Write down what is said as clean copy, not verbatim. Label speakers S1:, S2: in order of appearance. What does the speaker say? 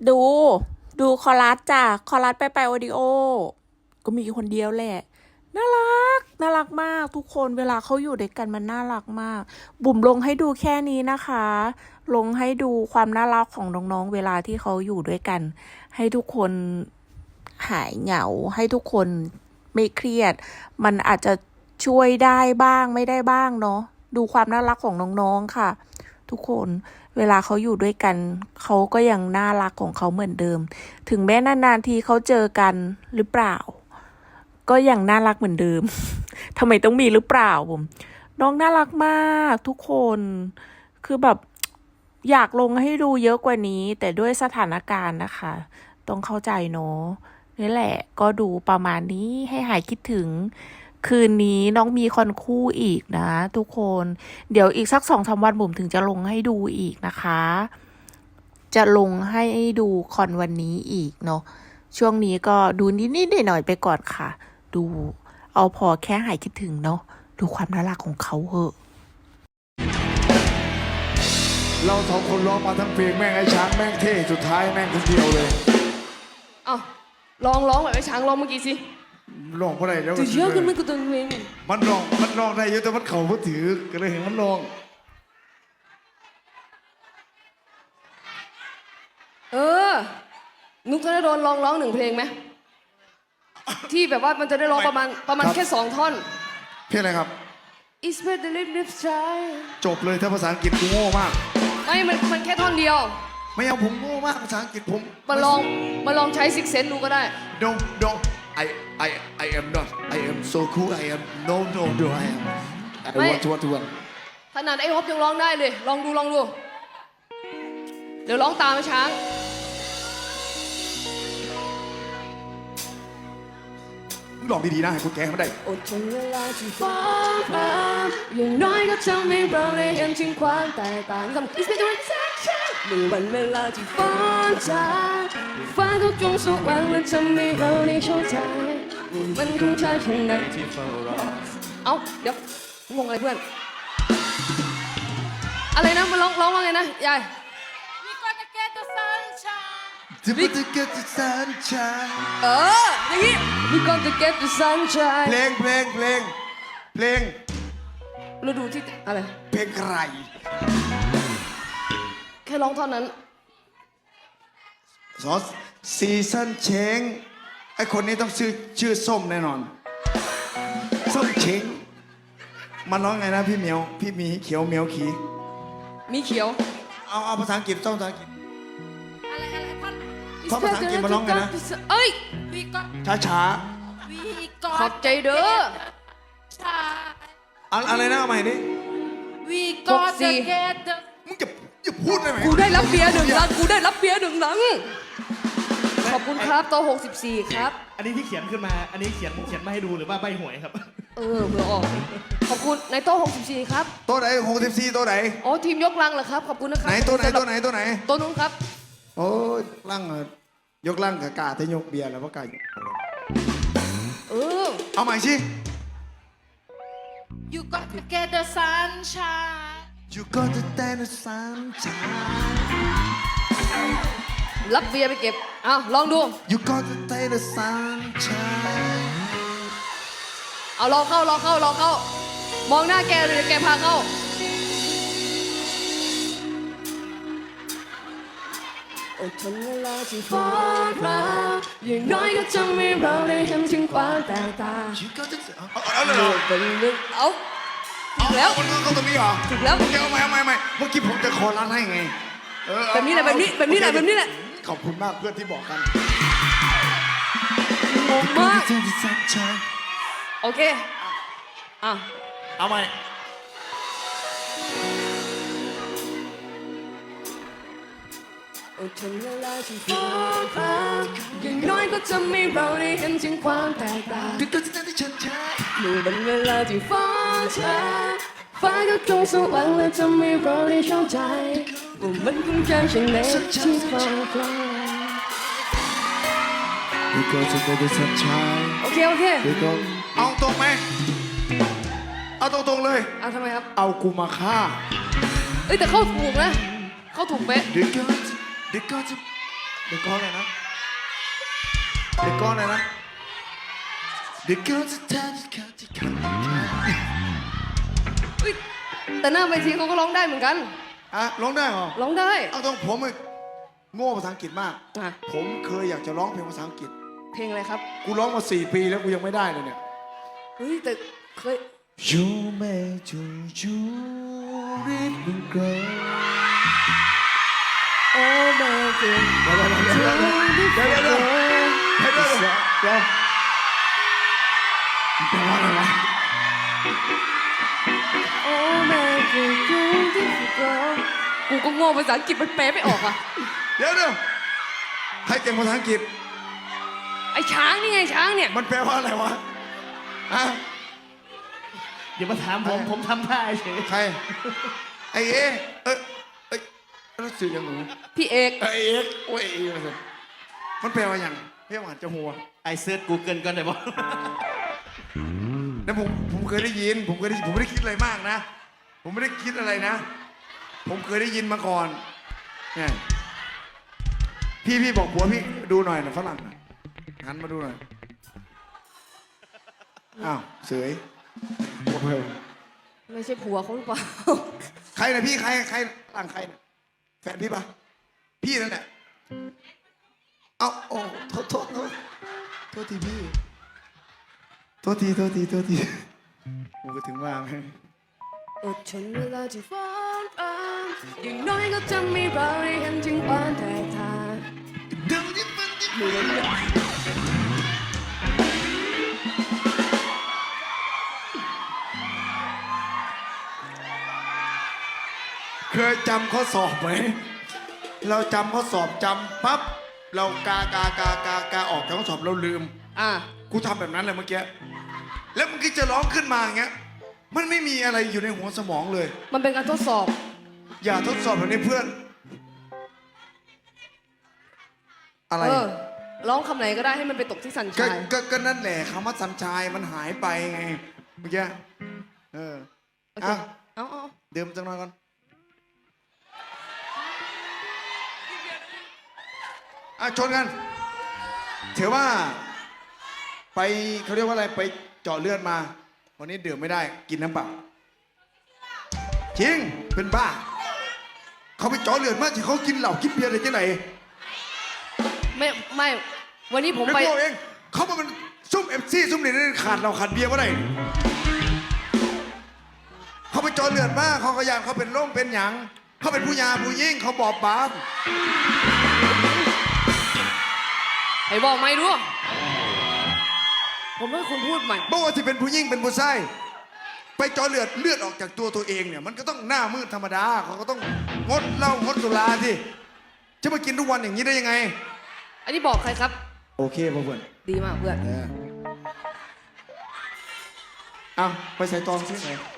S1: ดูดูคอรัสจ้ะคอรัสไปโอดิโอก็มีคนเดียวแหละน่ารักน่ารักมากทุกคนเวลาเขาอยู่ด้วยกันมันน่ารักมากบุ๋มลงให้ดูแค่นี้นะคะ ลงให้ดูความน่ารักของน้องๆเวลาที่เขาอยู่ด้วยกัน ให้ทุกคนหายเหงาให้ทุกคนไม่เครียด มันอาจจะช่วยได้บ้างไม่ได้บ้างเนาะดูความน่ารักของน้องๆค่ะ ทุกคนเวลาเขาอยู่ด้วยกันเขาก็ยังน่ารักของเขาเหมือนเดิม ถึงแม้นานๆทีเขาเจอกันหรือเปล่า ก็ยังน่ารักเหมือนเดิม ทำไมต้องมีหรือเปล่าผมน้องน่ารักมากทุกคน คือแบบอยากลงให้ดูเยอะกว่านี้ แต่ด้วยสถานการณ์นะคะ ต้องเข้าใจเนาะนี่แหละ ก็ดูประมาณนี้ให้หายคิดถึง คืนนี้น้องมีคอนคู่อีกนะทุกคน เดี๋ยวอีกสัก2-3 วันผมถึงจะลงให้ดูอีกนะคะ จะลงให้ดูคอนวันนี้อีกเนาะ ช่วงนี้ก็ดูนิดๆหน่อยๆไปก่อนค่ะ ดูเอาพอแค่หายคิดถึงเนาะ ดูความน่ารักของเขาเหอะ
S2: เราสองคนร้องมาทั้งเพลงแม่งไอ้ช้างแม่งเท่สุดท้ายแม่งคนเดียวเลย
S3: เอ้าร้องแบบไอ้ช้างร้องเมื่อกี้สิ
S2: ร้องเพราะอะไรแล้ว
S3: ตัวเยอะขึ้นไม่กูตัวเอง
S2: มันร้องได้เยอะแต่มันเข่าก็ถือก็เลยเห็นมันร้อง
S3: นุกธนดลร้อง1 เพลงไหมที่แบบว่ามันจะได้ร้องประมาณแค่2 ท่อน
S2: เพลงอะไรครับ
S3: It's better than this try
S2: จบเลยถ้าภาษาอังกฤษกูโง่มาก
S3: ไม่มันแค่ท่อนเดียว
S2: ไม่เอาผมโง่มากภาษาอังกฤษผม
S3: มาลองใช้ซิกเซนดูก็ได้
S2: no I am not I am so cool I am no I am I
S3: ไม่
S2: want to
S3: ขนาดไอ้ฮอปยังร้องได้เลย ลองดู เดี๋ยวร้องตามไอ้ช้าง
S2: ลองดีๆนะให้กูแก้ไม่ได้
S3: อดทนเวลาที่ฟ้าผ่าอย่างน้อยก็ทำให้เราได้เห็นถึงความแตกต่างกับ It's better than that try เมื่อวันเวลาที่ฟ้าจ่าฟ้าก็จงสว่างและทำให้เราได้เข้าใจมันคงใช่เช่นนั้นที่เฝ้ารอเอ้าเดี๋ยวงงอะไรเพื่อนอะไรนะมาร้องว่าไงนะยาย
S4: We gonna get the sunshine
S2: จะไปจะ get the sunshine
S3: อย่างงี้ We gonna get the sunshine
S2: เพลง
S3: ฤดูที่อะไร
S2: เพลงใคร
S3: แค่ร้องเท่านั้น
S2: ซอสซีซันเชงไอคนนี้ต้องชื่อส้มแน่นอน ส้มเชงมันร้องไงนะพี่เหมียวพี่มีเขียวเหมียวขี
S3: มีเขียว
S2: เอาภาษาอังกฤษต้องภาษาอังกฤษ
S4: อะไรท่อน
S2: ท่อนภาษาอังกฤษมาร้องไงนะ
S3: เอ้ย
S4: We got
S2: ช้า
S4: We
S3: ขอบ
S4: got
S3: ใจเด้อ
S4: time
S2: อะไรนะเอาใหม่ดิ
S4: We got to
S3: 64
S4: get the
S2: มึงจะพูดได้ไหม
S3: กูได้รับเบียร์1 ลัง กูได้รับเบียร์1 ลัง ขอบคุณครับโตะ64 ครับ
S5: อันนี้ที่เขียนขึ้นมา อันนี้เขียนมาให้ดูหรือว่าใบหวยครับ
S3: เผื่อออก ขอบคุณในโต๊ะ64 ครับ
S2: ตัวไหน64ตัวไหน
S3: อ๋อทีมยกลังเหรอครับ ขอบคุณนะครับ
S2: ไหนตัวไหน
S3: สำรับ
S2: ตัวไหนตัวไหน
S3: โต๊ะนู้นครับ
S2: โอ้ยร่างยกร่างกับกาแต่ยกเบียร์แล้วว่ากา
S3: เออ
S2: เอาใหม่สิ
S4: You got to get the sunshine
S2: You got to stand the sunshine
S3: รับเบียร์ไปเก็บอ้าวลองดู
S2: You got to stand the sunshine
S3: เอาลองเข้า มองหน้าแกเลยแกพาเข้า อดทนเวลาที่ฟ้าผ่าอย่างน้อยก็ทำให้เราได้เห็นถึงความแตกต่าง
S2: You got to เอาเลยเหรอ
S3: เป็นเรื่องเอาถูกแล้ว
S2: มันก็ตรงนี้เหรอ
S3: ถูกแล้ว
S2: โอเคเอาใหม่เมื่อกี้ผมจะคอรันให้ไงเอา
S3: แบบนี้แหละแบบนี้แหละ
S2: ขอบคุณมากเพื่อนที่บอกกัน
S3: งงมาก
S2: You got to stand the sunshine
S3: โอเคอ่ะ
S5: เอาใหม่
S3: อดทนเวลาที่ฟ้าผ่าอย่างน้อยก็ทำให้เราได้เห็นถึงความแตกต่าง
S2: You got to stand the sunshine
S3: เมื่อเป็นเวลาที่ฟ้าช้าฟ้าก็คงสว่างและทำให้เราได้เข้าใจว่ามันคงใช่เช่นนั้นที่ฟ้าคลา
S2: You got to stand the sunshine
S3: โอเค
S2: You got เอาตรงไหมเอาตรงๆเลย
S3: เอาทำไมครับ
S2: เอากูมาฆ่า
S3: เอ้ยแต่เข้าถูกนะ เข้าถูกเป๊ะ
S2: You got to เด็กก้อนเลยนะเด็กก้อนเลยนะเด็กก้อนจะทำที่เขา
S3: อุ๊ยแต่หน้าเวทีเขาก็ร้องได้เหมือนกัน
S2: อ่ะร้องได้เหรอ
S3: ร้องได้
S2: เอาตรงผมโง่ภาษาอังกฤษมาก
S3: อ่ะ
S2: ผมเคยอยากจะร้องเพลงภาษาอังกฤษ
S3: เพลงอะไรครับ
S2: กูร้องมา4 ปีแล้วกูยังไม่ได้เลยเนี่ย
S3: เฮ้ยแต่เคย
S2: You may do you really grow
S3: โอ้แม่เก่ง
S2: เดี๋ยวแปลว่าอะไรวะ
S3: โอ้แม่เก่งกูก็โง่ภาษาอังกฤษมันแปลไม่ออกอ่ะ
S2: เดี๋ยวใครเก่งภาษาอังกฤษ
S3: ไอ้ช้างนี่ไงช้างเนี่ย
S2: มันแปลว่าอะไรวะฮะ
S5: อย่ามาถามผมทำท่าเฉย
S2: ใครไอเอเอ้ยรู้สึกยังหนู
S3: พี่เอก
S2: ไอเอ็กโอ้ยมันแปลว่าอย่างเพี่หวานจะหัว
S5: ไอเซิร์ช Google ก่อนได้บ่
S2: แล้วผมเคยได้ยินผมไม่ได้คิดอะไรมากนะ ผมไม่ได้คิดอะไรนะ ผมเคยได้ยินมาก่อนเนี่ยพี่บอกผัวพี่ดูหน่อยนะฝรั่งน่ะหันมาดูหน่อยอ้าวเสย
S3: ไม่ใช่ผัวเขาหรือเปล่า
S2: ใครนะพี่ใครฝรั่งใครนะแฟนพี่ปะพี่นั่นแหละเอาโอ้โทษทีพี่โทษทีผมก็ถึงว่าไง
S3: อดทนเวลาที่ฟ้อนรำอย่างน้อยก็จะมีเราได้เห็นถึงความแตกต่าง
S2: เดี๋ยวนี้มันเคยจำข้อสอบไหมเราจำข้อสอบจำปั๊บเรากาออกจากข้อสอบเราลืม
S3: อ่ะ
S2: กูทำแบบนั้นเลยเมื่อกี้แล้วมันก็จะร้องขึ้นมาอย่างเงี้ยมันไม่มีอะไรอยู่ในหัวสมองเลย
S3: มันเป็นการทดสอบ
S2: อย่าทดสอบแบบนี้เพื่อน อะไร
S3: ร้องคำไหนก็ได้ให้มันไปตกที่สัน
S2: ก็
S3: ชาย
S2: ก็นั่นแหละคำว่าสัญชายมันหายไปไงเมื่อกี้เออ
S3: โอเค
S2: อ่ะ
S3: เอา
S2: เดิมจังหน่อยก่อนอ่ะชนกันถือว่าไปเขาเรียกว่าอะไรไปเจาะเลือดมา วันนี้ดื่มไม่ได้กินน้ำเปล่าจริงเป็นบ้า เขาไปเจาะเลือดมาที่เขากินเหล้ากินเบียร์อะไรที่ไหน
S3: ไม่วันนี้ผม
S2: ไม่
S3: ไป
S2: พวกเองเขามาเป็นซุ่มเอฟซีซุ่มนี่ขาดเราขาดเบียร์ว่าไรเขาไปเจาะเลือดมาเขาก็ยานเขาเป็นโรคเป็นหยังเขาเป็นผู้ยาผู้ยิ่งเขาบอบบาง
S3: ให้บอกไม่รู้ผมให้คุณพูดใหม่
S2: บอกว่าที่เป็นผู้ยิ่งเป็นผู้ไส้ไปเจาะเลือดออกจากตัวเองเนี่ยมันก็ต้องหน้ามืดธรรมดาเขาก็ต้องงดเหล้างดสุราที่จะมากินทุกวันอย่างนี้ได้ยังไง
S3: อันนี้บอกใครครับ
S2: โอเคพ่อเพื่อน
S3: ดีมากเพื่อน
S2: เอาไปใส่ตองซิไหน